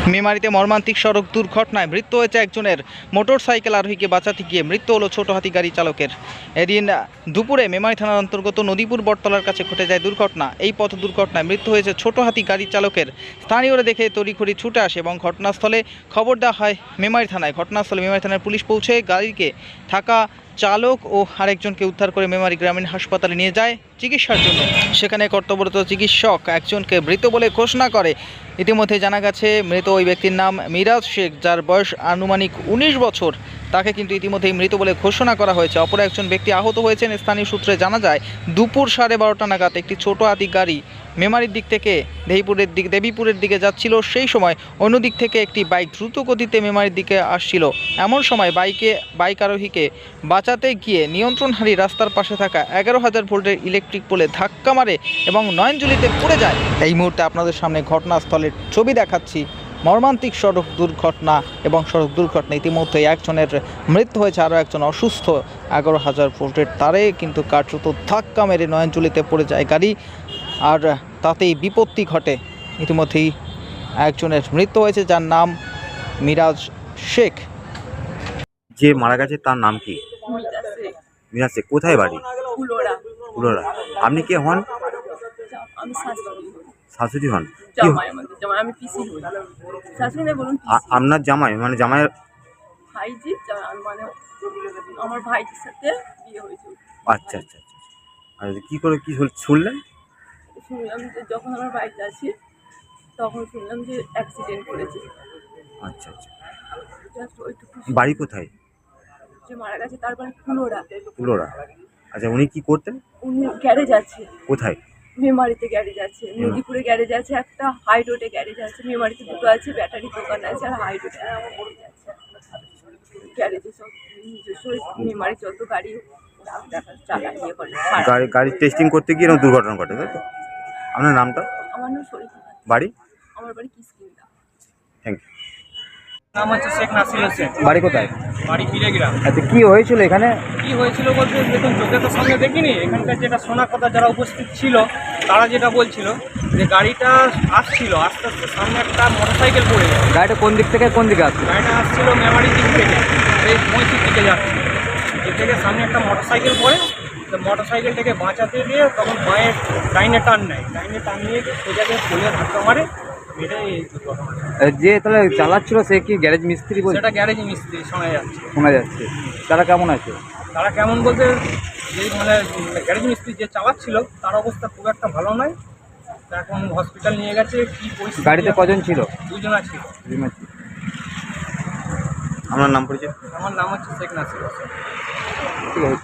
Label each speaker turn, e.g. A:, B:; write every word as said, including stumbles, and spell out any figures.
A: মেমারিতে মর্মান্তিক সড়ক দুর্ঘটনায় মৃত্যু হয়েছে একজনের। মোটর সাইকেল আরোহীকে বাঁচাতে গিয়ে মৃত্যু হলো ছোট হাতি গাড়ি চালকের। এদিন দুপুরে মেমারি থানার অন্তর্গত নদীপুর বটতলার কাছে ঘটে যায় দুর্ঘটনা। এই পথ দুর্ঘটনায় মৃত্যু হয়েছে ছোট হাতি গাড়ি চালকের। স্থানীয়রা দেখে তড়িঘড়ি ছুটে আসে এবং ঘটনাস্থলে খবর দেওয়া হয় মেমারি থানায়। ঘটনাস্থলে মেমারি থানার পুলিশ পৌঁছে গাড়িকে থাকা চালক ও আরেকজনকে উদ্ধার করে মেমারি গ্রামীণ হাসপাতালে নিয়ে যায় চিকিৎসার জন্য। সেখানে কর্তব্যরত চিকিৎসক একজনকে মৃত বলে ঘোষণা করে। ইতিমধ্যে জানা গেছে মৃত ওই ব্যক্তির নাম মিরাজ শেখ, যার বয়স আনুমানিক উনিশ বছর। তাকে কিন্তু ইতিমধ্যেই মৃত বলে ঘোষণা করা হয়েছে। অপর একজন ব্যক্তি আহত হয়েছেন। স্থানীয় সূত্রে জানা যায় দুপুর সাড়ে বারোটা নাগাদ একটি ছোট হাতি গাড়ি মেমারির দিক থেকে দেবীপুরের দিক দেবীপুরের দিকে যাচ্ছিল। সেই সময় অন্য দিক থেকে একটি বাইক দ্রুত গতিতে মেমারির দিকে আসছিল। এমন সময় বাইকে বাইক আরোহীকে বাঁচাতে গিয়ে নিয়ন্ত্রণ হারিয়ে রাস্তার পাশে থাকা এগারো হাজার ভোল্টের ইলেকট্রিক পোলে ধাক্কা মারে এবং নয়নজুলিতে পড়ে যায়। এই মুহূর্তে আপনাদের সামনে ঘটনাস্থলের ছবি দেখাচ্ছি। মর্মান্তিক সড়ক দুর্ঘটনা এবং সড়ক দুর্ঘটনা ইতিমধ্যে একজনের মৃত্যু হয়েছে, আরও একজন অসুস্থ। এগারো হাজার ভোল্টের তারে কিন্তু কার্যত ধাক্কা মেরে নয়নজুলিতে পড়ে যায় গাড়ি, আর তাতেই বিপত্তি ঘটে। ইতিমধ্যেই একজনের মৃত্যু হয়েছে, যার নাম মিরাজ শেখ।
B: যে মারা গেছে তার নাম কি? মিরাজ শেখ। কোথায় বাড়ি?
C: ফুলোরা।
B: ফুলোরা। আপনি কে হন?
C: আমি শাশুড়ি।
B: শাশুড়ি হন? কি
C: জামাই আমাদের জামাই, আমি পিসি হই। শাশুড়ি না বলুন পিসি।
B: আ- আপনার জামাই মানে জামাইয়ের?
C: ভাইজি জামাই মানে আমার ভাইজির সাথে বিয়ে হয়েছিল।
B: আচ্ছা আচ্ছা আচ্ছা। আর কি করে কি শুন- শুনলেন?
C: শুনলাম যে যখন আমার বাড়িতে আছি তখন শুনলাম যে অ্যাক্সিডেন্ট করেছে।
B: আচ্ছা আচ্ছা।
C: জাস্ট ওইটুকু
B: বাড়ি কোথায়?
C: যে মারা গেছে তার বাড়ি ফুলোরা।
B: ফুলোরা। আচ্ছা, উনি কি করতেন?
C: উনি গ্যারেজ আছে,
B: কোথায়?
C: মেমারিতে গ্যারেজ আছে, নদীপুরে গ্যারেজ আছে, একটা হাই রোডে গ্যারেজ আছে, মেমারিতে দুটো আছে, ব্যাটারি দোকান আছে, আর হাই রোডে গ্যারেজ আছে। গ্যারেজে সব নিজস্ব মেমারি যত গাড়ি দেখা চালায় ইয়ে করে সারা।
B: গাড়ি গাড়ি টেস্টিং করতে গিয়ে এরকম দুর্ঘটনা ঘটে, তাই তো? আপনার নামটা?
C: আমার নাম শরীফা।
B: বাড়ি?
C: আমার বাড়ি কিসকিন্দা।
B: Thank you.
D: নাম হচ্ছে শেখ নাসির হোসেন।
A: বাড়ি কোথায়?
D: বাড়ি পিড়েগ্রাম।
A: আচ্ছা, কি হয়েছিল এখানে?
D: কি হয়েছিল বলতে দেখুন, চোখে তো সামনে দেখিনি। এখানকার যেটা শোনা কথা, যারা উপস্থিত ছিল তারা যেটা বলছিল যে গাড়িটা আসছিল, আস্তে আস্তে সামনে একটা মোটরসাইকেল পড়ে গেছে।
A: গাড়িটা কোন দিক থেকে কোন দিকে আসছে?
D: গাড়িটা আসছিল মেমারির দিক থেকে, এই মৈশির দিকে যাচ্ছে। এ থেকে সামনে একটা মোটরসাইকেল পড়ে, তো মোটরসাইকেলটাকে বাঁচাতে গিয়ে তখন মায়ের ডাইনে টার্ন নেয়, ডাইনে টার্ন নিয়ে গিয়ে সোজাকে পোলে ধাক্কা মারে, এটাই এই দুর্ঘটনা।
A: যে তাহলে চালাচ্ছিল সে কি গ্যারেজ মিস্ত্রি বলে
D: সেটা গ্যারেজ মিস্ত্রি শোনা যাচ্ছে।
A: শোনা যাচ্ছে। তারা কেমন আছে?
D: তারা কেমন বলতে, যে মানে গ্যারেজ মিস্ত্রি যে চালাচ্ছিল তার অবস্থা খুব একটা ভালো নয়। তা এখন হসপিটাল নিয়ে গেছে। কি পরিস্থিতি?
A: গাড়িতে কজন ছিল?
D: দুজন ছিল।
B: আপনার নাম পরিচয়?
D: আমার নাম হচ্ছে শেখ নাসির হোসেন।
A: ঠিক আছে।